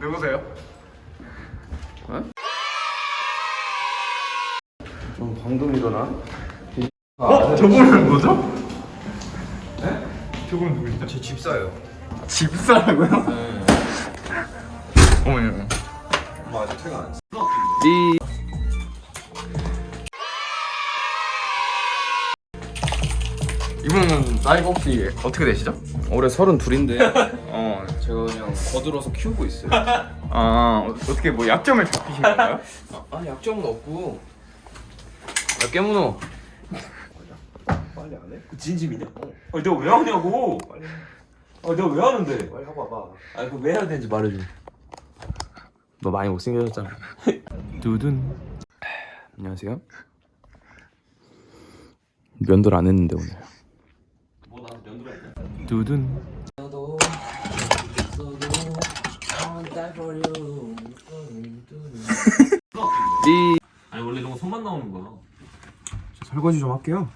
누구세요? 좀 방금 일어나? 저분은 뭐죠? 네? 저분은 누구시죠? 제 집사예요. 집사라고요? 네. 어머니. 엄마 아직 퇴근 안 했어. 이분은 나이가 혹시 어떻게 되시죠? 올해 32인데 어. 제가 그냥 거들어서 키우고 있어요. 어떻게 뭐 약점을 잡히신 건가요? 아 약점은 없고. 야 깨문어. 빨리 안 해? 진심이냐? 내가 왜 하냐고. 빨리. 내가 왜 하는데? 빨리 하고 와봐. 그거 왜 해야 되는지 말해줘. 너 많이 못생겨졌잖아. 두둔. 안녕하세요. 면도를 안 했는데 오늘. 뭐 나한테 면도를 했냐? 두둔. 아니 원래 이런 거 손만 나오는 거야. 설거지 좀 할게요.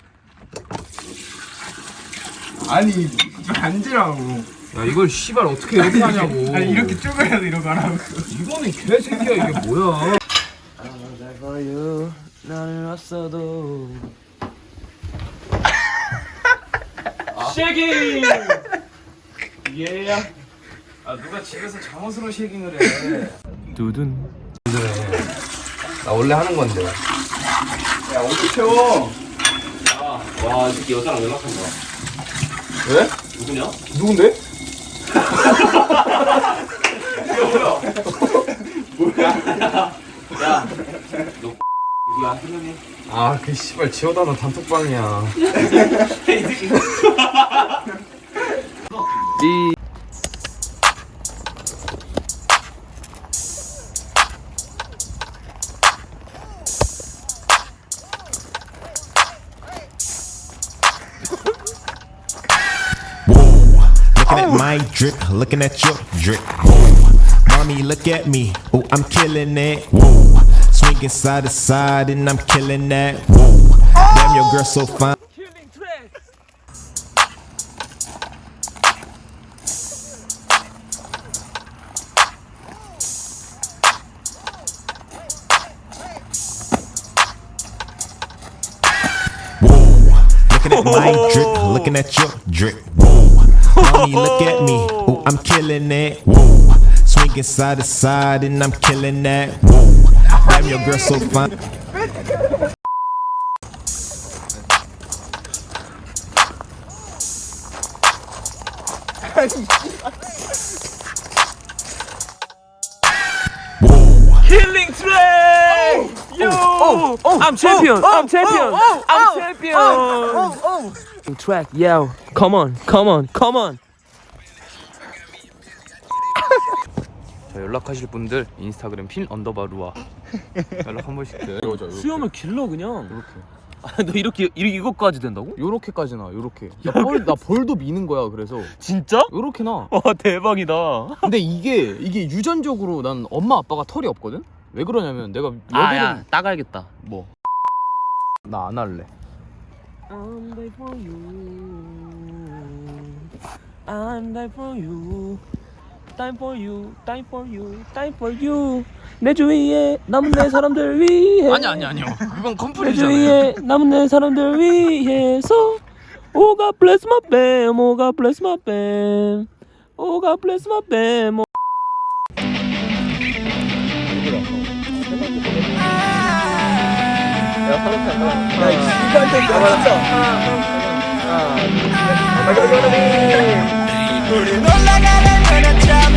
아니 앉으라고. 야 이걸 씨발 어떻게 이렇게 하냐고. 아니 이렇게 쪼그려서 이러고 하라고. 이거는 개새끼야 이게 뭐야. 나는 왔어도. 쉐깅! 예. 누가 집에서 잠옷으로 쉐깅을 해. 두둔. 나 원래 하는 건데. 야 어디 채워? 와, 이 새끼 여자랑 연락한 거야. 왜? 누구냐? 누군데? 야, 너 누구야? 생각해. 아, 그 씨발 지어다는 단톡방이야. Looking at my drip, looking at your drip. Whoa. Mommy, look at me. Oh, I'm killing it. Whoa. Swinging side to side and I'm killing that. Whoa. Damn, your girl so fine. Whoa. Looking at my drip, looking at your drip. Whoa. Mommy, look at me. Oh, I'm killing it. Whoa. Swinging side to side and I'm killing that. Whoa. Damn, your girl so fine. Whoa. 킬링 트랙! Yo! I'm champion! I'm champion! I'm champion! Track, yo! Come on, come on, come on! 자, 연락하실 분들 인스타그램 핀 언더바루아 연락 한 번씩 드려줘. 수염을 길러 그냥. 이렇게. 너 이렇게 이거까지 된다고? 요렇게까지나 요렇게. 나 벌도 미는 거야. 그래서 진짜? 요렇게 나. 와 대박이다. 근데 이게 유전적으로 난 엄마 아빠가 털이 없거든. 왜 그러냐면 내가 야 따가야겠다. 뭐? 나 안 할래. I'm there for you. I'm there for you. Time for you. Time for you. Time for you. 내 주위에 남은 내 사람들 위해. 아니요. 그건 내 컴플이잖아요. 주위에 남은 내 사람들 위해서. Oh God bless my bam. Oh God bless my bam. Oh God bless my bam. 우린 올라가는 거였죠.